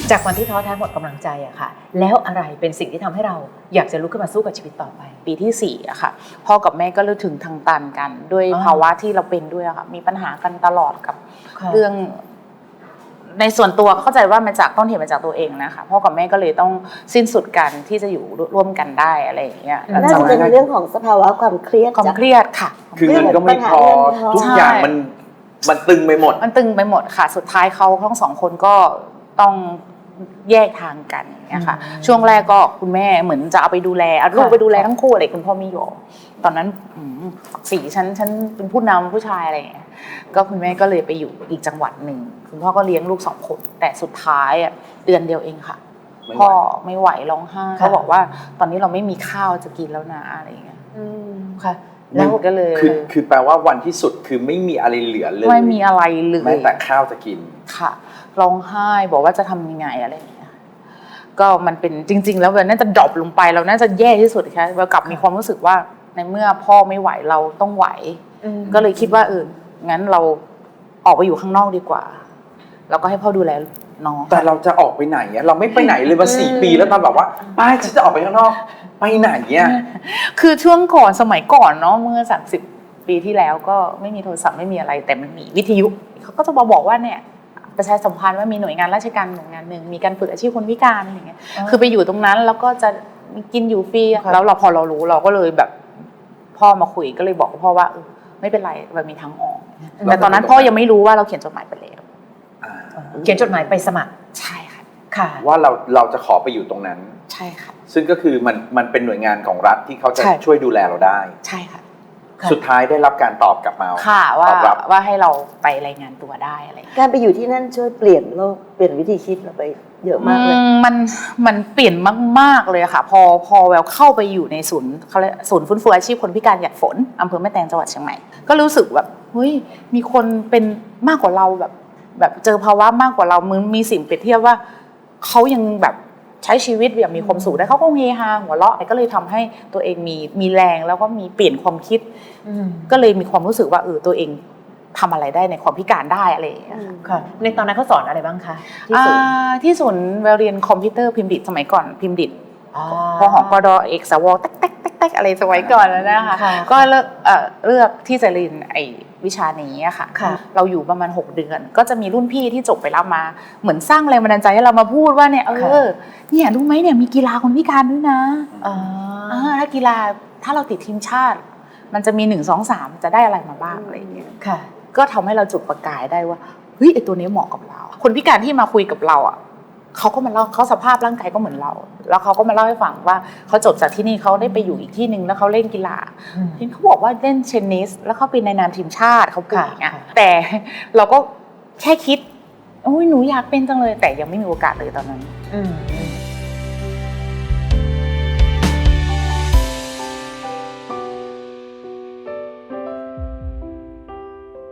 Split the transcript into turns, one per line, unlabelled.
จากวันที่ท้อแท้หมดกำลังใจอะค่ะแล้วอะไรเป็นสิ่งที่ทำให้เราอยากจะลุกขึ้นมาสู้กับชีวิตต่อไป
ปีที่4อะค่ะพ่อกับแม่ก็เริ่มถึงทางตันกันด้วยภาวะที่เราเป็นด้วยอะค่ะมีปัญหากันตลอดกับเรื่องในส่วนตัวเข้าใจว่ามาจากต้นเหตุมาจากตัวเองนะคะพ่อกับแม่ก็เลยต้องสิ้นสุดกันที่จะอยู่ร่วมกันได้อะไรอย่างเงี้ย
น่าจะเป็นเรื่องของสภาวะความเครียด
ค่ะ
คือเงินก็ไม่พอทุกอย่างมันตึงไปหมด
ค่ะสุดท้ายเขาทั้ง2 คนก็ต้องแยกทางกันเนี่ยค่ะช่วงแรกก็คุณแม่เหมือนจะเอาไปดูแลเอาลูกไปดูแลทั้งคู่อะไรคุณพ่อไม่ยอมตอนนั้นสีฉันเป็นผู้นำผู้ชายอะไรอย่างเงี้ยก็คุณแม่ก็เลยไปอยู่อีกจังหวัดหนึ่งคุณพ่อก็เลี้ยงลูก2 คนแต่สุดท้ายเดือนเดียวเองค่ะพ่อไม่ไหวร้องไห้เขาบอกว่าตอนนี้เราไม่มีข้าวจะกินแล้วนะอะไรอย่างเงี้ย
ค่ะ
แล้วก็เลย
คือแปลว่าวันที่สุดคือไม่มีอะไรเหลือเลย
ไม่มีอะไรเลย
แม้แต่ข้าวจะกิน
ค่ะร้องไห้บอกว่าจะทำยังไงอะไรอย่างเงี้ยก็มันเป็นจริงๆแล้วมันน่าจะดรอปลงไปเราน่าจะแย่ที่สุดค่ะเรากลับมีความรู้สึกว่าในเมื่อพ่อไม่ไหวเราต้องไหวก็เลยคิดว่างั้นเราออกไปอยู่ข้างนอกดีกว่าเราก็ให้พ่อดูแลน้อง
แต่เราจะออกไปไหนเนี่ยเราไม่ไปไหนเลยมา4 ปีแล้วตอนแบบว่าป้าฉันจะออกไปข้างนอกไปไหนเนี่ย
คือช่วงก่อนสมัยก่อนเนาะเมื่อ30 ปีที่แล้วก็ไม่มีโทรศัพท์ไม่มีอะไรแต่มันมีวิทยุเขาก็จะมาบอกว่าเนี่ยประชาสัมพันธ์ว่ามีหน่วยงานราชการหน่วยงานหนึ่งมีการฝึกอาชีพคนพิการอะไรเงี้ยคือไปอยู่ตรงนั้นแล้วก็จะกินอยู่ฟรีแล้วพอเรารู้เราก็เลยแบบพ่อมาคุยก็เลยบอกพ่อว่าไม่เป็นไรมันมีทางออกแต่ตอนนั้นพ่อยังไม่รู้ว่าเราเขียนจดหมายไปแล้ว
เขียนจดหมายไปสมัคร
ใช่ค่ะ
ค่ะว่าเราจะขอไปอยู่ตรงนั้น
ใช่ค่ะ
ซึ่งก็คือมันเป็นหน่วยงานของรัฐที่เขาจะช่วยดูแลเราได้
ใช่ค่ะ
สุดท้ายได้รับการตอบกลับมา
ค่ะว่าให้เราไปรายงานตัวได้อะไร
การไปอยู่ที่นั่นช่วยเปลี่ยนโลกเปลี่ยนวิธีคิดเราไปเยอะมากเลย
มันเปลี่ยนมากๆเลยค่ะพอแววเข้าไปอยู่ในศูนย์ฟื้นฟูอาชีพคนพิการหยัดฝนอำเภอแม่แตงจังหวัดเชียงใหม่ก็รู้สึกแบบเฮ้ยมีคนเป็นมากกว่าเราแบบเจอภาวะมากกว่าเรามึงมีสิ่งเปรียบเทียบว่าเขายังแบบใช้ชีวิตแบบมีความสุขได้เขาก็เฮฮาหัวเราะก็เลยทำให้ตัวเองมีแรงแล้วก็มีเปลี่ยนความคิดก็เลยมีความรู้สึกว่าตัวเองทำอะไรได้ในความพิการได้อะไรอย่างเงี้ย
ค่ะในตอนนั้นเขาสอนอะไรบ้างคะ
ที่ศูนย์เรียนคอมพิวเตอร์พิมพ์ดิษฐ์สมัยก่อนพิมพ์ดิษฐ์พอหอกดเอกสวแต๊กอะไรสมัยก่อนแล้วนะคะก็เลือกที่จะเรียนไอ้วิชานี้ค่ะเราอยู่ประมาณ6 เดือนก็จะมีรุ่นพี่ที่จบไปแล้วมาเหมือนสร้างแรงบันดาลใจให้เรามาพูดว่าเนี่ยเนี่ยรู้ไหมเนี่ยมีกีฬาคนพิการด้วยนะถ้ากีฬาถ้าเราติดทีมชาติมันจะมี1 2 3จะได้อะไรมาบ้างอะไรอย่างเงี้ยก็ทำให้เราจุดประกายได้ว่าเฮ้ยไอตัวนี้เหมาะกับเราคนพิการที่มาคุยกับเราเขาก็มาเล่าเขาสภาพร่างกายก็เหมือนเราแล้วเขาก็มาเล่าให้ฟังว่าเขาจบจากที่นี่เขาได้ไปอยู่อีกที่นึงแล้วเขาเล่นกีฬาเขาบอกว่าเล่นเทนนิสแล้วเขาเป็นในนามทีมชาติเขาเก่งอ่ะแต่เราก็แค่คิดโอ้ยหนูอยากเป็นจังเลยแต่ยังไม่มีโอกาสเลยตอนนั้น